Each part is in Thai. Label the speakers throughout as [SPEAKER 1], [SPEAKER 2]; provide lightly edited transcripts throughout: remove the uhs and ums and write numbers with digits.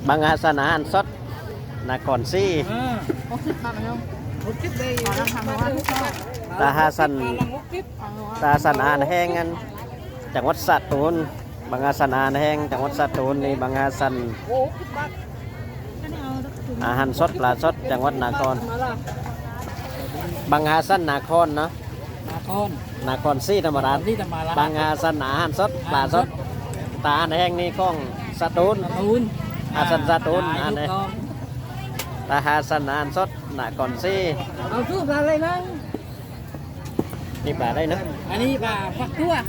[SPEAKER 1] บางอาสนะอันสดนาครซี่
[SPEAKER 2] 60 บาทมั้ย60ได้ขอราคามาว่า
[SPEAKER 1] ตาฮาสันตาสันอาหารแห้งกันจังหวัดสตูลบางอาสันอาหารแห้งจังหวัดสตูลนี่บางอาสันอาหารสดปลาสดจังหวัดนาครบางอาสันนาครเนาะนาครซี่ธรรมราชบางอาสันอาหารสดปลาสดตาอาหารแห้งนี่ของสตูลอาสันสตูลอันนี้ตาฮาสันอาหารสดนาครซี่
[SPEAKER 2] เอาชื่อปลาอะไรนะ
[SPEAKER 1] นี่ปลาได้เนาะ
[SPEAKER 2] อันนี้ปลาฟักตัว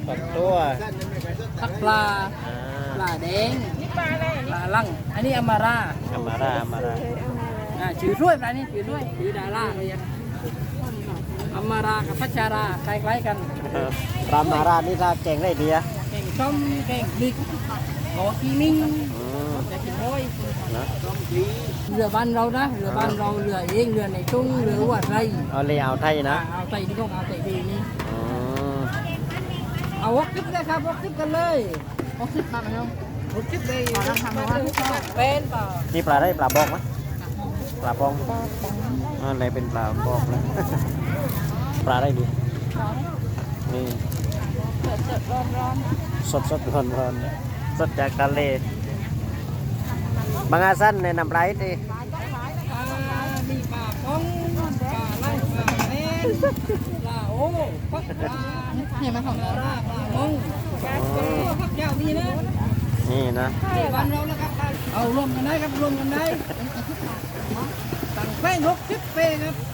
[SPEAKER 2] ฟักปลาแดงปลาลังอันนี้อามาราชื่อด้วยปลานี่ชื่อด้วยชื่อดาราเลยอามารากับพัชาราคล้ายๆกัน
[SPEAKER 1] ปลามารานี่ถ้าแกงได้ดีอะ
[SPEAKER 2] แกงส้มแกงพริกขอกีมิ้งจะกินห้อยเรือบ้านเรานะเรือบ้านเราเรือเองเรือในทุ่งเรือวัดไร
[SPEAKER 1] เอาเลยเอาไทยนะ
[SPEAKER 2] เอาไทยนี่ก็เอาไทยดีนี่เอา60เลยครับ60กันเลย60 บาทมั้ย60ได้ขอราคามาว่าเป็นเปล่า
[SPEAKER 1] นี่ปลาได้ปลาบอกไหมปลาบองอะไรเป็นปลาบอกเลยปลาได้ดีนี่สดร้อนสดจากทะเลบางอาสันในน้ำไหลดิ
[SPEAKER 2] มีปลาป้องปลาไล่ปลาแม่ปลาโอ้ปักปลาเห็นไหมของเราปลามงปักเจ้ามีนะ
[SPEAKER 1] นี่นะ
[SPEAKER 2] วันเราแล้วครับเอารวมกันได้ครับรวมกันได้ตั้งแป้ง60 เป้ครับ